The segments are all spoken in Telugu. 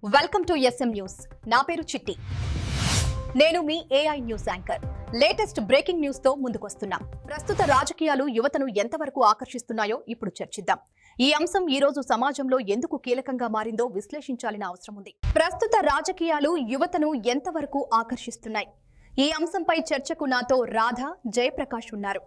Welcome to S M news. నా పేరు చిట్టి. నేను మీ AI news anchor. Latest breaking news తో ముందుకొస్తున్నా. ప్రస్తుత రాజకీయాలు యువతను ఎంతవరకు ఆకర్షిస్తున్నాయో ఇప్పుడు చర్చిద్దాం. ఈ అంశం ఈ రోజు సమాజంలో ఎందుకు కీలకంగా మారిందో విశ్లేషించాల్సిన అవసరం ఉంది. ప్రస్తుత రాజకీయాలు యువతను ఎంతవరకు ఆకర్షిస్తున్నాయి? ఈ అంశంపై చర్చకు నాతో రాధ, జయప్రకాష్ ఉన్నారు.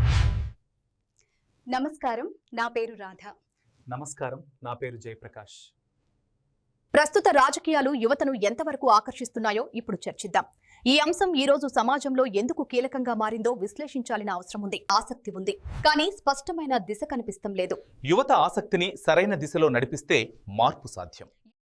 నమస్కారం, నా పేరు రాధ. నమస్కారం, నా పేరు జయప్రకాష్. ప్రస్తుత రాజకీయాలు యువతను ఎంతవరకు ఆకర్షిస్తున్నాయో ఇప్పుడు చర్చిద్దాం. ఈ అంశం ఈ రోజు సమాజంలో ఎందుకు కీలకంగా మారిందో విశ్లేషించాల్సిన అవసరం ఉంది. ఆసక్తి ఉంది, కానీ స్పష్టమైన దిశ కనిపిస్తం లేదు. యువత ఆసక్తిని సరైన దిశలో నడిపిస్తే మార్పు సాధ్యం.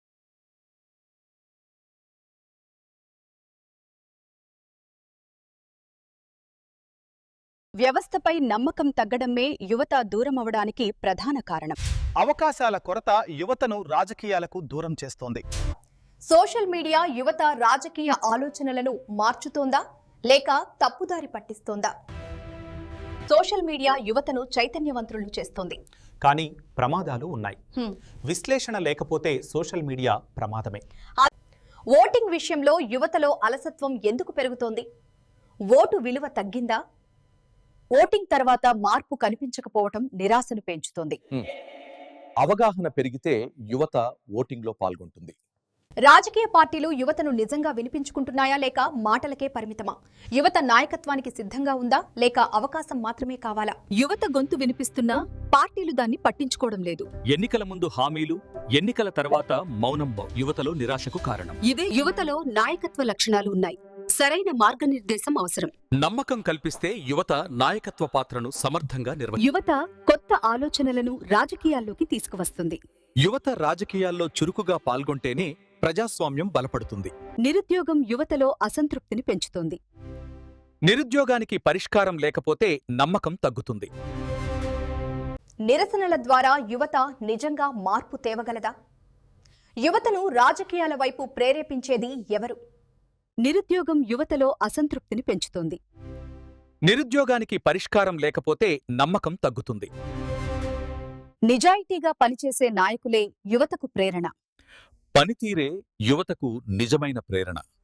వ్యవస్థపై నమ్మకం తగ్గడమే యువత దూరం అవడానికి ప్రధాన కారణం. అవకాశాల కొరత యువతను రాజకీయాలకు దూరం చేస్తోంది. సోషల్ మీడియా యువత రాజకీయ ఆలోచనలను మార్చుతోందా లేక తప్పుదారి పట్టిస్తోందా? సోషల్ మీడియా యువతను చైతన్యవంతులను చేస్తోంది, కానీ ప్రమాదాలు ఉన్నాయి. విశ్లేషణ లేకపోతే సోషల్ మీడియా ప్రమాదమే. ఓటింగ్ విషయంలో యువతలో అలసత్వం ఎందుకు పెరుగుతోంది? ఓటు విలువ తగ్గిందా? ఓటింగ్ తర్వాత మార్పు కనిపించకపోవటం నిరాశను పెంచుతోంది. అవగాహన పెరిగితే యువత ఓటింగ్లో పాల్గొంటుంది. రాజకీయ పార్టీలు యువతను నిజంగా వినిపించుకుంటున్నాయా లేక మాటలకే పరిమితమా? యువత నాయకత్వానికి సిద్ధంగా ఉందా లేక అవకాశం మాత్రమే కావాలా? యువత గొంతు వినిపిస్తున్నా పార్టీలు దాన్ని పట్టించుకోవడం లేదు. ఎన్నికల ముందు హామీలు, ఎన్నికల తర్వాత మౌనం యువతలో నిరాశకు కారణం. ఇదే యువతలో నాయకత్వ లక్షణాలు ఉన్నాయి. సరైన మార్గనిర్దేశం అవసరం. నమ్మకం కల్పిస్తే యువత నాయకత్వ పాత్రను సమర్థంగా యువత కొత్త ఆలోచనలను రాజకీయాల్లోకి తీసుకువస్తుంది. యువత రాజకీయాల్లో చురుకుగా పాల్గొంటేనే ప్రజాస్వామ్యం బలపడుతుంది. నిరుద్యోగం యువతలో అసంతృప్తిని పెంచుతోంది. నిరుద్యోగానికి పరిష్కారం లేకపోతే నమ్మకం తగ్గుతుంది. నిరసనల ద్వారా యువత నిజంగా మార్పు తేవగలదా? యువతను రాజకీయాల వైపు ప్రేరేపించేది ఎవరు? నిరుద్యోగం యువతలో అసంతృప్తిని పెంచుతోంది. నిరుద్యోగానికి పరిష్కారం లేకపోతే నమ్మకం తగ్గుతుంది. నిజాయితీగా పనిచేసే నాయకులే యువతకు ప్రేరణ. పనితీరే యువతకు నిజమైన ప్రేరణ.